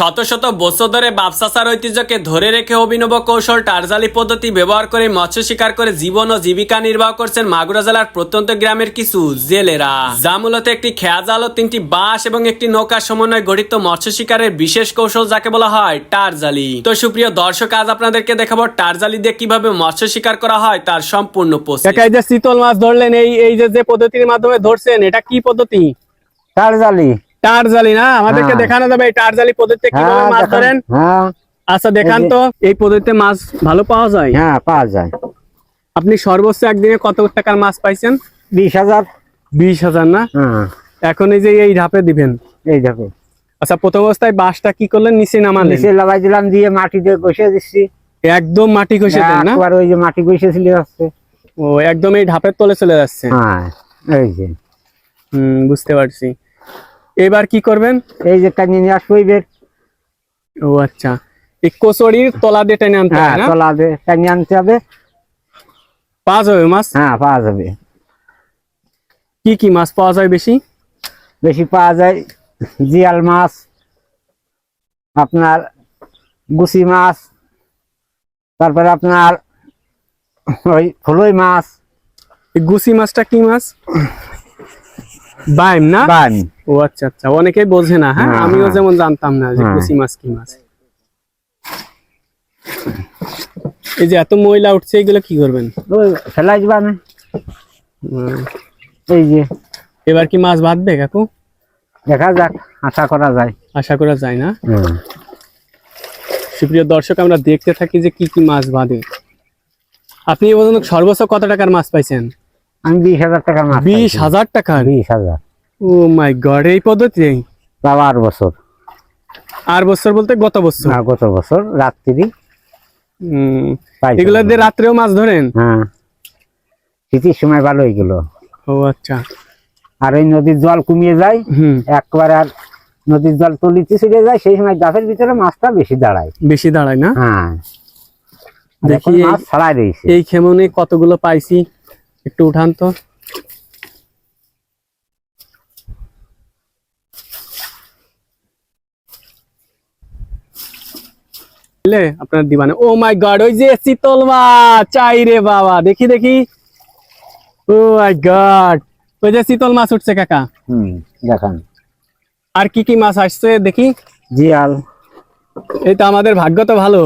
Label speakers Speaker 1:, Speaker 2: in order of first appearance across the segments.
Speaker 1: শত শত বছর ধরে বাপসাসার ঐতিহ্যকে ধরে রেখে অভিনব কৌশল টারজালি পদ্ধতি ব্যবহার করে মৎস্য শিকার করে জীবন ও জীবিকা নির্বাহ করছেন মাগুরা জেলার প্রত্যন্ত গ্রামের কিছু জেলেরা, যা মূলত একটি খেয়া জাল ও 3টি বাঁশ এবং একটি নৌকার সমন্বয়ে গঠিত মৎস্য শিকারের বিশেষ কৌশল, যাকে বলা হয় টারজালি। তো সুপ্রিয় দর্শক, আজ আপনাদেরকে দেখাবো টারজালি দিয়ে কিভাবে মৎস্য শিকার করা হয় তার সম্পূর্ণ প্রসেস। এই যে শীতল মাছ ধরলেন, এই যে পদ্ধতির মাধ্যমে ধরছেন, এটা কি পদ্ধতি?
Speaker 2: টারজালি।
Speaker 1: টারজালি না, আমাদেরকে দেখানো যাবে এই টারজালি পদ্ধতিতে কিভাবে মাছ ধরেন? আচ্ছা দেখান তো। এই পদ্ধতিতে মাছ ভালো পাওয়া যায়?
Speaker 2: হ্যাঁ, পাওয়া যায়।
Speaker 1: আপনি সর্বোচ্চ একদিনে কত টাকার মাছ পাইছেন?
Speaker 2: 20,000।
Speaker 1: 20,000 না? এখন এই যে এই ধাপে দিবেন,
Speaker 2: এই ধাপে।
Speaker 1: আচ্ছা, প্রথম অবস্থায় বাঁশটা কি করলেন? নিচে নামালেন?
Speaker 2: নিচে লাগাই দিলাম, দিয়ে মাটিতে ঘষে দিচ্ছি।
Speaker 1: একদম মাটি ঘষে দেন না?
Speaker 2: একবার ওই যে মাটি ঘষে চলে যাচ্ছে।
Speaker 1: ও, একদম এই ধাপের তলে চলে যাচ্ছে।
Speaker 2: হ্যাঁ, এই যে।
Speaker 1: বুঝতে পারছি। এবার কি করবেন?
Speaker 2: এই যে টানিয়ে নিয়ে আসবো বের।
Speaker 1: ও আচ্ছা, এই কচুরির তলা দিয়ে টেনে আনতে হবে না?
Speaker 2: তলা দিয়ে টানিয়ে আনতে হবে।
Speaker 1: পাওয়া যাবে মাছ?
Speaker 2: হ্যাঁ, পাওয়া যাবে।
Speaker 1: কি কি মাছ পাওয়া যায় বেশি?
Speaker 2: বেশি পাওয়া যায় জিয়াল মাছ, আপনার গুছি মাছ, তারপরে আপনার ওই ফুলই মাছ।
Speaker 1: এই গুছি মাছটা কি মাছ? বাইম না?
Speaker 2: বাইম।
Speaker 1: ও আচ্ছা আচ্ছা, অনেকেই বোঝে না। হ্যাঁ, আমিও যেমন জানতাম না যে গুছি মাছ কি মাছ। এই যে এত ময়লা উঠছে, এগুলো কি করবেন?
Speaker 2: ওই ফেলাই দিবা না। এই যে
Speaker 1: এবার কি মাছ বাঁধবে কাকু?
Speaker 2: দেখা যাক, আশা করা যায়।
Speaker 1: আশা করা যায় না? সুপ্রিয় দর্শক, আমরা দেখতে থাকি যে কি কি মাছ বাঁধে। আপনি বলুন, সর্বোচ্চ কত টাকার মাছ পাইছেন?
Speaker 2: আমি 20,000 টাকার মাছ।
Speaker 1: 20,000 টাকার?
Speaker 2: 20,000।
Speaker 1: ও মাই গড, এই পদ্ধতি?
Speaker 2: তাও 8 বছর।
Speaker 1: 8 বছর বলতে গত বছর?
Speaker 2: হ্যাঁ, গত বছর রাত্রি।
Speaker 1: এগুলো দিয়ে রাত্রেও মাছ ধরেন?
Speaker 2: হ্যাঁ, শীতের সময় ভালো এগুলো।
Speaker 1: ও আচ্ছা।
Speaker 2: আর ওই নদীর জল কমিয়ে যায় একবার, আর নদীর জল তলিতে ছিড়ে যায়, সেই সময় গাছের ভিতরে মাছটা বেশি দাঁড়ায়।
Speaker 1: বেশি দাঁড়ায় না?
Speaker 2: হ্যাঁ,
Speaker 1: দেখি
Speaker 2: মাছ ছাড়াই রয়েছে।
Speaker 1: এই খেমনে কতগুলো পাইছি, একটু উঠান তো। আপনার দিবানে। ও মাই গড, ওই যে চিতল মাছ চাই রে বাবা, দেখি দেখি। ও মাই গড, ওই যে চিতল মাছ উঠছে কাকা।
Speaker 2: দেখান।
Speaker 1: আর কি কি মাছ আসছে দেখি?
Speaker 2: জিয়াল।
Speaker 1: এই তো, আমাদের ভাগ্য তো ভালো।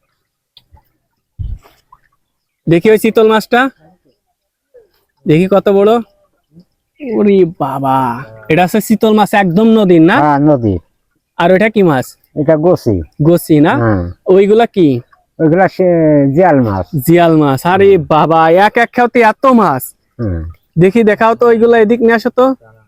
Speaker 1: দেখি ওই চিতল মাছটা, দেখি কত বড়। ওরে বাবা, এটা হচ্ছে চিতল মাছ, একদম নদীর না?
Speaker 2: হ্যাঁ, নদীর।
Speaker 1: আর ওইটা কি মাছ?
Speaker 2: এটা গোসি।
Speaker 1: গোসি না? ওইগুলা কি?
Speaker 2: ওইগুলা জিয়াল মাছ।
Speaker 1: জিয়াল মাছ। আরে বাবা, এক খাওতে এত মাছ। দেখি, দেখাও তো ওইগুলা, এদিক নিয়ে আসো তো।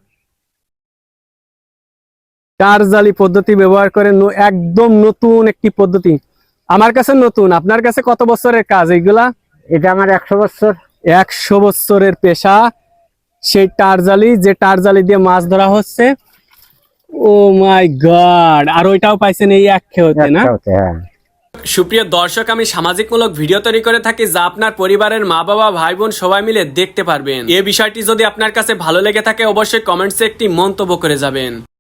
Speaker 1: টারজালি পদ্ধতি ব্যবহার করে একদম নতুন একটি পদ্ধতি। আমার কাছে নতুন, আপনার কাছে কত বছরের কাজ এইগুলা?
Speaker 2: এটা আমার 100 বছর।
Speaker 1: 100 বছরের পেশা সেই টারজালি, যে টারজালি দিয়ে মাছ ধরা হচ্ছে। ও মাই গড, আর ওইটাও পাইছেন এই এক খেতে না? সুপ্রিয় দর্শক, আমি সামাজিকমূলক ভিডিও তৈরি করে থাকি, যা আপনার পরিবারের মা বাবা ভাই বোন সবাই মিলে দেখতে পারবেন। এই বিষয়টি যদি আপনার কাছে ভালো লেগে থাকে, অবশ্যই কমেন্টসে একটি মন্তব্য করে যাবেন।